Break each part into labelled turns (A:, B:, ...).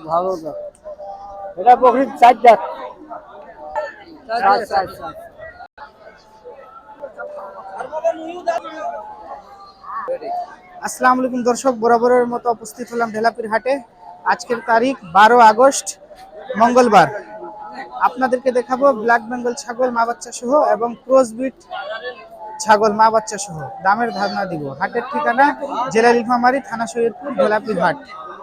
A: ভালো না, এটা বকরি 4 দাঁত।
B: আসসালামু আলাইকুম দর্শক, বরাবরের মতো উপস্থিত হলাম ঢেলাপির হাটে। আজকের তারিখ 12 আগস্ট মঙ্গলবার। আপনাদেরকে দেখাবো ব্ল্যাক বেঙ্গল ছাগল মা বাচ্চা সহ এবং ক্রসবিট ছাগল মা বাচ্চা সহ দামের ধারণা দিব। হাটের ঠিকানা জেলা নীলফামারী, থানা সৈয়দপুর, ঢেলাপির হাট।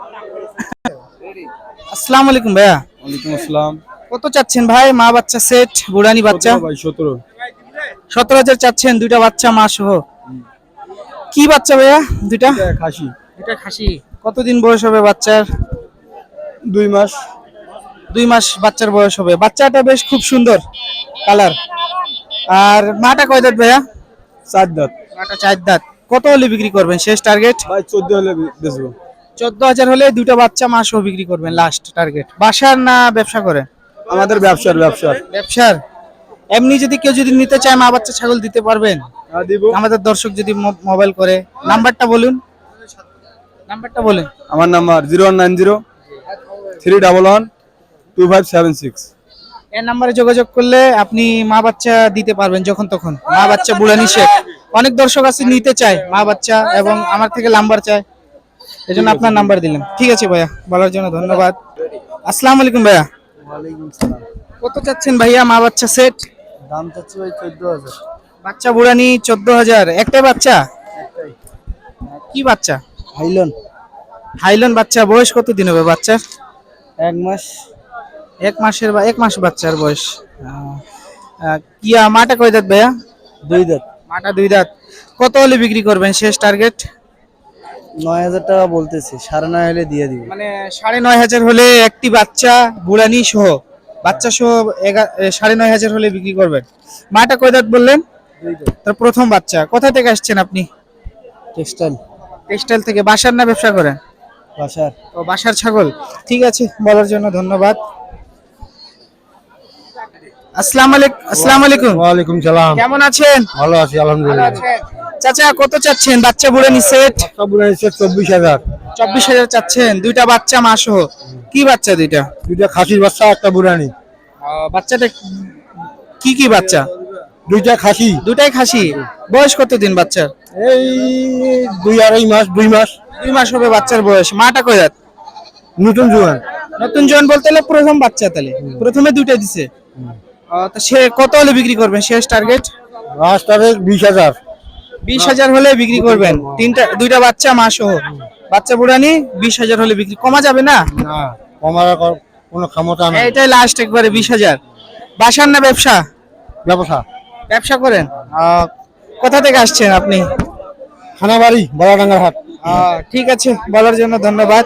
B: আসসালামু আলাইকুম ভাইয়া।
A: ওয়ালাইকুম আসসালাম।
B: কত চাচ্ছেন ভাই মা বাচ্চা সেট বুড়ানি বাচ্চা?
A: ভাই 17।
B: 17,000 চাচ্ছেন, দুইটা বাচ্চা মা সহ। কি বাচ্চা ভাইয়া দুইটা?
A: খাসি।
B: এটা খাসি। কতদিন বয়স হবে বাচ্চার?
A: 2 মাস।
B: 2 মাস বাচ্চার বয়স হবে। বাচ্চাটা বেশ খুব সুন্দর কালার। আর মাটা কয় দাঁত ভাইয়া?
A: 4 দাঁত।
B: মাটা 4 দাঁত। কত হলে বিক্রি করবেন শেষ টার্গেট?
A: ভাই 14 হলে বেচবো।
B: 14,000 হলে দুইটা বাচ্চা মা সহ বিক্রি করবেন লাস্ট টার্গেট। বাসার না ব্যবসা করেন?
A: আমাদের ব্যবসার।
B: ব্যবসার। এমনি যদি কেউ যদি নিতে চায় মা বাচ্চা ছাগল দিতে পারবেন?
A: হ্যাঁ দিব।
B: আমাদের দর্শক যদি মোবাইল করে, নাম্বারটা বলুন। নাম্বারটা বলেন।
A: আমার নাম্বার 0190 311 2576।
B: এই নাম্বারে যোগাযোগ করলে আপনি মা বাচ্চা দিতে পারবেন যখন তখন। মা বাচ্চা বুড়ানি শেখ। অনেক দর্শক আছে নিতে চায় মা বাচ্চা এবং আমার থেকে নাম্বার চায়, এজন্য আপনার নাম্বার দিলাম। ঠিক আছে ভাইয়া, বলার জন্য ধন্যবাদ। আসসালামু আলাইকুম ভাইয়া।
A: ওয়ালাইকুম আসসালাম।
B: কত চাচ্ছেন ভাইয়া মা বাচ্চা সেট?
A: দাম চাচ্ছি ভাই 14000।
B: বাচ্চা বুড়ানি 14,000। একটাই বাচ্চা?
A: একটাই।
B: কি বাচ্চা?
A: হাইলন।
B: হাইলন বাচ্চা। বয়স কত দিন হবে বাচ্চার?
A: 1 মাস।
B: 1 মাসের বা 1 মাস বাচ্চার বয়স। কি মাটা কয় দাঁত ভাইয়া?
A: 2 দাঁত।
B: মাটা 2 দাঁত। কত হলে বিক্রি করবেন শেষ টার্গেট?
A: 9000 টাকা বলতেছি, 9.5 হলে দিয়ে দিব।
B: মানে 9,500 হলে একটি বাচ্চা বুড়ানি সহ, বাচ্চা সহ 9,500 হলে বিক্রি করবেন। মাটা কয় দাঁত বললেন?
A: 2 দাঁত।
B: তার প্রথম বাচ্চা। কোথা থেকে আসছেন আপনি?
A: টেক্সটাইল।
B: টেক্সটাইল থেকে। বাসার না ব্যবসা করেন?
A: বাসার।
B: ও বাসার ছাগল। ঠিক আছে, বলার জন্য ধন্যবাদ। আসসালামু আলাইকুম।
A: ওয়ালাইকুম সালাম।
B: কেমন আছেন?
A: ভালো আছি আলহামদুলিল্লাহ।
B: চাচা কত চাচ্ছেন বাচ্চা বুড়ানি সেট?
A: সবগুলো হচ্ছে 24000।
B: 24,000 চাচ্ছেন, দুইটা বাচ্চা মা সহ। কি বাচ্চা দুইটা?
A: দুইটা খাসির বাচ্চা, একটা বুড়ানি।
B: বাচ্চাটা কি বাচ্চা?
A: দুইটা খাসি।
B: দুটাই খাসি। বয়স কত দিন বাচ্চার?
A: এই 2-2.5 মাস। 2 মাস।
B: 2 মাস হবে বাচ্চার বয়স। মাটা কয় দাঁত?
A: নতুন জোয়ান।
B: নতুন জন বলতে হলে প্রথম বাচ্চা, তাহলে প্রথমে দুইটা দিছে। তো সে কত হলে বিক্রি করবেন শেষ টার্গেট?
A: রাস্তাতে 20000।
B: 20,000 হলে বিক্রি করবেন। দুইটা বাচ্চা মা সহ। বাচ্চা বুড়ানি 20,000 হলে বিক্রি। কমা যাবে না?
A: না, কমার কোনো ক্ষমতা নাই।
B: এটাই লাস্ট একবারে 20,000। বাসার না ব্যবসা?
A: ব্যবসা।
B: ব্যবসা করেন। কোথা থেকে আসছেন আপনি?
A: খানাবাড়ি, বড়াডাঙ্গার হাট।
B: ঠিক আছে, বলার জন্য ধন্যবাদ।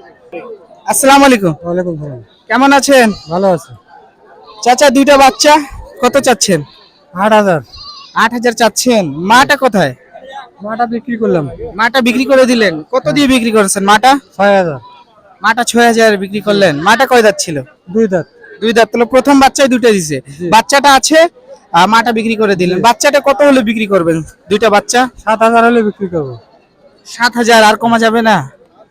B: আসসালামু আলাইকুম।
A: ওয়ালাইকুম সালাম।
B: কেমন আছেন?
A: ভালো আছে।
B: চাচা দুইটা বাচ্চা কত চাচ্ছেন?
A: 8000।
B: 8,000 চাচ্ছেন। মাটা কোথায়?
A: মাটা বিক্রি করলাম।
B: মাটা বিক্রি করে দিলেন। কত দিয়ে বিক্রি করেছেন মাটা?
A: 6000।
B: মাটা 6,000 বিক্রি করলেন। মাটা কয় দাঁত ছিল?
A: 2 দাঁত।
B: 2 দাঁত। তাহলে প্রথম বাচ্চায় দুইটা দিছে। বাচ্চাটা আছে, মাটা বিক্রি করে দিলেন। বাচ্চাটা কত হলে বিক্রি করবেন? দুইটা বাচ্চা
A: 7000 হলে বিক্রি করব।
B: 7,000। আর কমা যাবে না?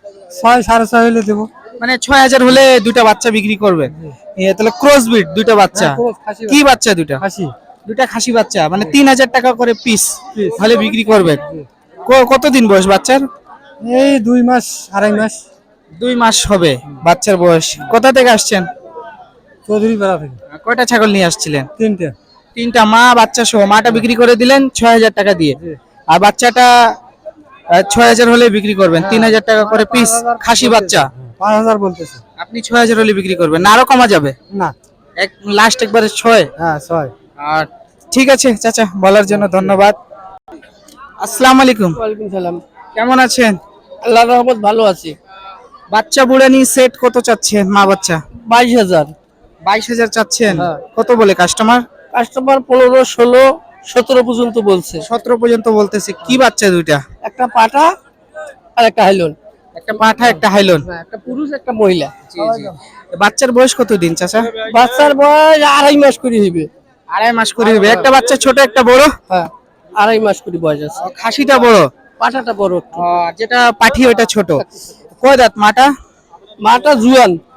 A: 6 6.5 হলে দেব।
B: মানে 6,000 হলে দুইটা বাচ্চা বিক্রি করবেন। তাহলে ক্রসবিট দুইটা বাচ্চা। কি বাচ্চা দুইটা?
A: খাসি।
B: দুইটা খাসি বাচ্চা, মানে 3,000 টাকা করে পিস হলে বিক্রি করবেন। কতদিন বয়স বাচ্চার?
A: এই 2 মাস 2.5 মাস।
B: 2 মাস হবে বাচ্চার বয়স। কোথা থেকে আসছেন?
A: চৌধুরী পাড়া থেকে।
B: কয়টা ছাগল নিয়ে আসছিলেন?
A: 3টা।
B: 3টা মা বাচ্চা সহ। মাটা বিক্রি করে দিলেন 6,000 টাকা দিয়ে, আর বাচ্চাটা 6,000 হলে বিক্রি করবেন। 3,000 টাকা করে পিস খাসি বাচ্চা।
A: 5000 বলতেছে।
B: আপনি 6,000 হলে বিক্রি করবেন না? আরো কমা যাবে?
A: না।
B: লাস্ট একবারে 6।
A: হ্যাঁ 6।
B: আর ঠিক আছে চাচা, বলার জন্য ধন্যবাদ। আসসালামু আলাইকুম।
A: ওয়ালাইকুম সালাম।
B: কেমন আছেন?
A: আল্লাহর রহমত ভালো আছি।
B: বাচ্চা বুড়ানি সেট কত চাচ্ছেন মা বাচ্চা?
A: 22000।
B: 22,000 চাচ্ছেন।
A: হ্যাঁ।
B: কত বলে কাস্টমার?
A: কাস্টমার 15 16 17 পর্যন্ত বলছে।
B: 17 পর্যন্ত বলতেছে। কি বাচ্চা দুইটা?
A: একটা পাঠা আর একটা হাইলন।
B: একটা পাঠা একটা হাইলন।
A: একটা পুরুষ একটা মহিলা।
B: বাচ্চার বয়স কত দিন চাচা?
A: বাচ্চার বয়স 2.5 মাস করে হইবে।
B: 2.5 মাস করে হবে। একটা বাচ্চা ছোট একটা বড়?
A: হ্যাঁ 2.5 মাস করে বয়স আছে।
B: খাসিটা বড়,
A: পাঠাটা বড় একটু।
B: যেটা পাঠি ওটা ছোট। কয় দাঁত মাটা?
A: মাটা জুয়ান।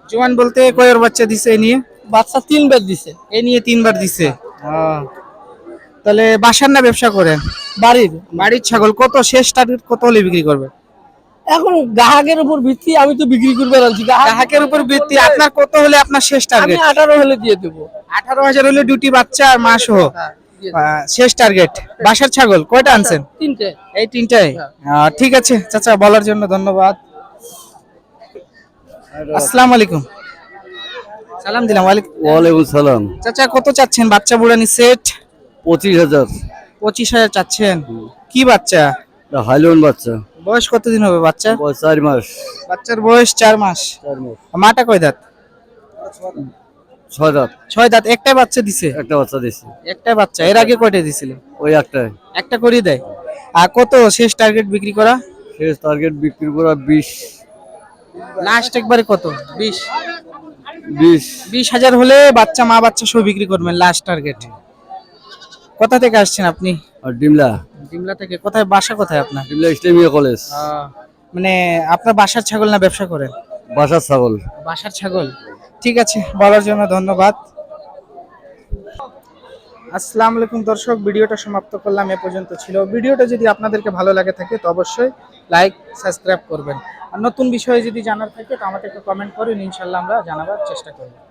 B: জোয়ান বলতে কয়ের বাচ্চা দিছে এই নিয়ে?
A: বাচ্চা 3 বার দিছে।
B: এই নিয়ে 3 বার দিছে। তাহলে বাসার না ব্যবসা করেন?
A: বাড়ির
B: বাড়ির ছাগল কত শেষ টার্গেট কত হলে বিক্রি করবে?
A: এখন গ্রাহকের উপর ভিত্তি, আমি তো বিক্রি করবে আনছি।
B: গ্রাহকের উপর ভিত্তি, আপনার কত হলে আপনার শেষ
A: আমি
B: টার্গেট?
A: 18 হলে দিয়ে দেবো।
B: 18,000 হলে দুটি বাচ্চা আর মা সহ শেষ টার্গেট। বাসার ছাগল কয়টা আনছেন?
A: 3টে।
B: এই 3টাই? ঠিক আছে চাচা, বলার জন্য ধন্যবাদ। আসসালামু আলাইকুম। সালাম দিলাম।
C: ওয়ালাইকুম সালাম।
B: চাচা কত চাচ্ছেন বাচ্চা বুড়ানি সেট?
C: 25,000।
B: 25,000 চাচ্ছেন। কি বাচ্চা?
C: হাইলন বাচ্চা।
B: বয়স কতদিন হবে বাচ্চা?
C: বয়স 4 মাস।
B: বাচ্চার বয়স 4 মাস।
C: 4 মাস।
B: মাটা কয় দাঁত?
C: 6 দাঁত।
B: 6 দাঁত। একটাই বাচ্চা দিছে?
C: একটা বাচ্চা দিছে।
B: একটাই বাচ্চা। এর আগে কয়টা দিছিল?
C: ওই একটাই।
B: একটা করে দেয়। আর কত শেষ টার্গেট বিক্রি করা?
C: শেষ টার্গেট বিক্রি করা 20।
B: লাস্ট একবারে কত? 20।
C: 20,000
B: হলে বাচ্চা মা বাচ্চা সব বিক্রি করবেন লাস্ট টার্গেট। কোথা থেকে আসছেন আপনি?
C: আর ডিমলা।
B: ডিমলা থেকে। কোথায় বাসা কোথায় আপনার?
C: ডিমলা ইসলামিয়া কলেজ।
B: মানে আপনার বাসার ছাগল না ব্যবসা করেন?
C: বাসার ছাগল।
B: বাসার ছাগল। ঠিক আছে, বলার জন্য ধন্যবাদ। আসসালামু আলাইকুম দর্শক, ভিডিওটা সমাপ্ত করলাম, এ পর্যন্ত ছিল। ভিডিওটা যদি আপনাদেরকে ভালো লাগে থাকে তো অবশ্যই লাইক সাবস্ক্রাইব করবেন। আর নতুন বিষয়ে যদি জানার থাকে তো আমাদেরকে কমেন্ট করুন, ইনশাআল্লাহ আমরা জানাবার চেষ্টা করব।